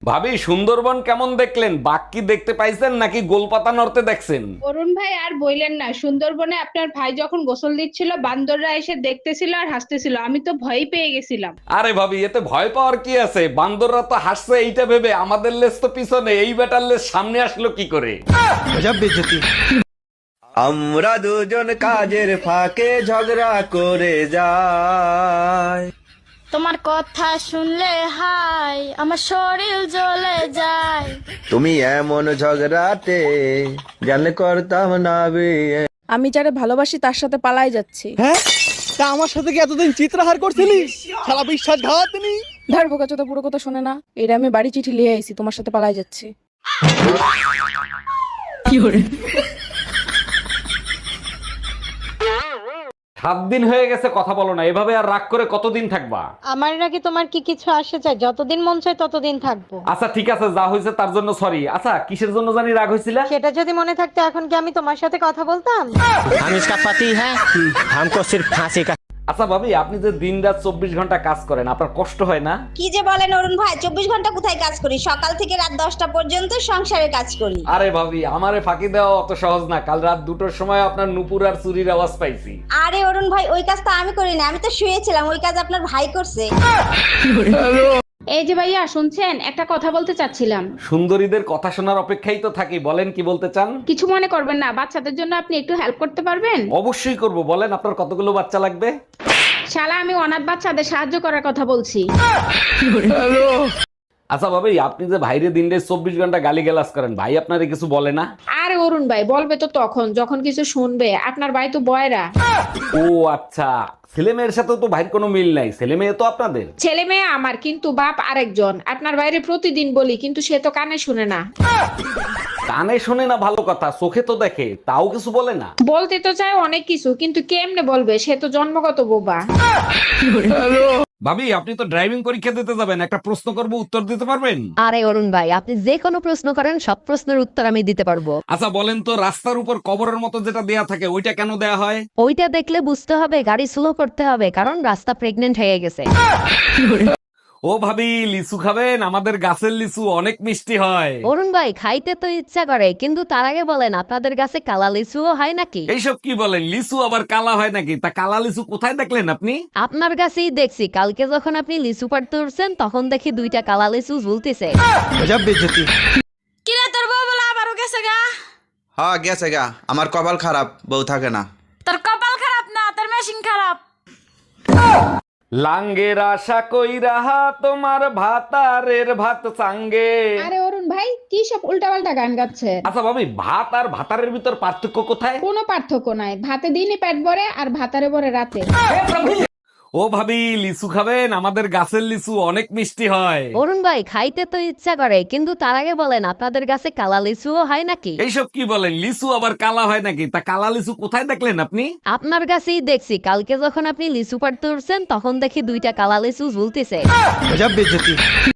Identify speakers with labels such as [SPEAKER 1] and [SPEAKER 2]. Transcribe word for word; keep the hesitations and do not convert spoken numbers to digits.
[SPEAKER 1] ভাবি সুন্দরবন কেমন দেখলেন? বাঘ কি দেখতে পাইছেন নাকি গোলপাতা নড়তে দেখছেন?
[SPEAKER 2] অরুণ ভাই আর বইলেন না, সুন্দরবনে আপনার ভাই যখন গোসল দিচ্ছিল বান্দররা এসে দেখতেছিল আর হাসতেছিল, আমি তো ভয় পেয়ে গেছিলাম।
[SPEAKER 1] আরে ভাবি, এতে ভয় পাওয়ার কি আছে? বান্দররা তো হাসছে এইটা ভেবে আমাদের লেজ তো পিছনে, এই বেটার লেজ সামনে আসলো কি করে?
[SPEAKER 3] আমরা দুজন কাজের ফাঁকে ঝগড়া করে যাই।
[SPEAKER 4] তোমার কথা শুনলে হাই আমার শরীর জ্বলে যায়।
[SPEAKER 3] তুমি এমন ঝগড়াতে জানলে করতাম না বিয়ে।
[SPEAKER 5] আমি যারে ভালোবাসি তার সাথে পালাই যাচ্ছি।
[SPEAKER 6] হ্যাঁ, তা আমার সাথে কি এতদিন চিত্রহার করছিলি? শালা বিশ্বাসঘাতনি।
[SPEAKER 5] ধার বোকা চোদা পুরো কথা শোনে না। এটা আমি বাড়ি চিঠি লিয়ে আইছি, তোমার সাথে পালাই যাচ্ছি।
[SPEAKER 1] সাত দিন হয়ে গেছে কথা বলো না, এভাবে আর রাগ করে কতদিন থাকবা?
[SPEAKER 4] আমার নাকি তোমার কি কিছু আসে চাই? যতদিন মন চায় ততদিন থাকবো।
[SPEAKER 1] আচ্ছা ঠিক আছে, যা হয়েছে তার জন্য সরি। আচ্ছা কিসের জন্য জানি রাগ হয়েছিল?
[SPEAKER 4] সেটা যদি মনে থাকতো এখন কি আমি তোমার সাথে কথা বলতাম?
[SPEAKER 7] हम इसका पति है, हमको सिर्फ फांसी का।
[SPEAKER 1] আচ্ছা ভাবি, আপনি যে দিন রাত চব্বিশ ঘন্টা কাজ করেন, আপনার কষ্ট হয় না?
[SPEAKER 8] কি যে বলেন অরুণ ভাই, চব্বিশ ঘন্টা কোথায় কাজ করি? সকাল থেকে রাত দশটা পর্যন্ত সংসারে কাজ করি।
[SPEAKER 1] আরে ভাবি, আমারে ফাঁকি দেওয়া অত সহজ না। কাল রাত দুটোর সময় আপনার নুপুর আর চুরির আওয়াজ পাইছি।
[SPEAKER 8] আরে অরুণ ভাই, ওই কাজ তো আমি করি না, আমি তো শুয়েছিলাম। ওই কাজ আপনার ভাই করছে।
[SPEAKER 2] এই যে ভাইয়া শুনছেন, একটা কথা বলতে চাচ্ছিলাম।
[SPEAKER 1] সুন্দরীদের কথা শোনার অপেক্ষাই তো থাকি, বলেন কি বলতে চান?
[SPEAKER 2] কিছু মনে করবেন না, বাচ্চাদের জন্য আপনি একটু হেল্প করতে পারবেন?
[SPEAKER 1] অবশ্যই করব, বলেন আপনার কতগুলো বাচ্চা লাগবে?
[SPEAKER 2] শালা, আমি অনাথ বাচ্চাদের সাহায্য করার কথা বলছি।
[SPEAKER 1] আচ্ছা ভাবি, আপনি যে ভাইরে দিনটা চব্বিশ ঘন্টা গালি গালাজ করেন, ভাই আপনারে কিছু বলে না?
[SPEAKER 2] আরে অরুণ ভাই, বলবে তো তখন যখন কিছু শুনবে। আপনার ভাই তো বয়রা।
[SPEAKER 1] ও আচ্ছা, ছেলে মেয়ের সাথে তো ভাইয়ের কোনো মিল নাই, ছেলে মেয়ে তো আপনাদের।
[SPEAKER 2] ছেলে মেয়ে আমার, কিন্তু বাপ আরেকজন। আপনার বাইরে প্রতিদিন বলি, কিন্তু সে তো কানে শুনে না।
[SPEAKER 1] কানে শোনে না ভালো কথা, চোখে তো দেখে, তাও কিছু বলে না।
[SPEAKER 2] বলতে তো চায় অনেক কিছু, কিন্তু কেমনে বলবে? সে তো জন্মগত বোবা।
[SPEAKER 1] ভাবি, আপনি তো ড্রাইভিং পরীক্ষা দিতে যাবেন, একটা প্রশ্ন করব, উত্তর দিতে পারবেন?
[SPEAKER 9] আরে অরুণ ভাই, আপনি যে কোনো প্রশ্ন করেন, সব প্রশ্নের উত্তর আমি দিতে পারবো।
[SPEAKER 1] আচ্ছা বলেন তো, রাস্তার উপর কবরের মতো যেটা দেয়া থাকে ওইটা কেন দেয়া হয়?
[SPEAKER 9] ওইটা দেখলে বুঝতে হবে গাড়ি স্লো করতে হবে, কারণ রাস্তা প্রেগনেন্ট হয়ে গেছে।
[SPEAKER 1] ও ভাবি, লিচু খাবেন? আমাদের গাছের লিচু অনেক মিষ্টি হয়।
[SPEAKER 9] অরুণ ভাই, খাইতে তো ইচ্ছা করে, কিন্তু তার আগে বলেন আপনাদের কাছে কালা লিচুও হয় নাকি?
[SPEAKER 1] এইসব কি বলেন? লিচু আবার কালা হয় নাকি? তা কালা লিচু কোথায় দেখলেন আপনি?
[SPEAKER 9] আপনার কাছেই দেখছি, কালকে যখন আপনি লিচু পাড়তে উঠছেন তখন দেখি দুইটা কালা লিচু ঝুলতেছে।
[SPEAKER 4] কিরে তোর বউ বলে আবারও গেছে গা?
[SPEAKER 3] হ্যাঁ গেছে গা, আমার কপাল খারাপ, বউ থাকে না।
[SPEAKER 4] তোর কপাল খারাপ না, তোর মেশিন খারাপ।
[SPEAKER 1] লাঙ্গের আশা কইরা তোমার ভাতারের ভাত চাঙ্গে।
[SPEAKER 2] আরে অরুণ ভাই, কি সব উল্টাপাল্টা গান গাচ্ছে?
[SPEAKER 1] আচ্ছা ভাবি, ভাত আর ভাতারের ভিতর পার্থক্য কোথায়?
[SPEAKER 2] কোনো পার্থক্য নাই। ভাতে দিনই পেট ভরে আর ভাতারে ভরে রাতে।
[SPEAKER 1] ও ভাবি, লিচু খাবেন? আমাদের গাছের লিচু অনেক মিষ্টি হয়।
[SPEAKER 9] অরুণ ভাই, খাইতে তো ইচ্ছা করে, কিন্তু তার আগে বলেন আপনাদের কাছে কালা লিচুও হয় নাকি?
[SPEAKER 1] এইসব কি বলেন? লিচু আবার কালা হয় নাকি? তা কালা লিচু কোথায় দেখলেন আপনি?
[SPEAKER 9] আপনার কাছেই দেখছি, কালকে যখন আপনি লিচু পাড়তে উঠছেন তখন দেখি দুইটা কালা লিচু ঝুলতেছে।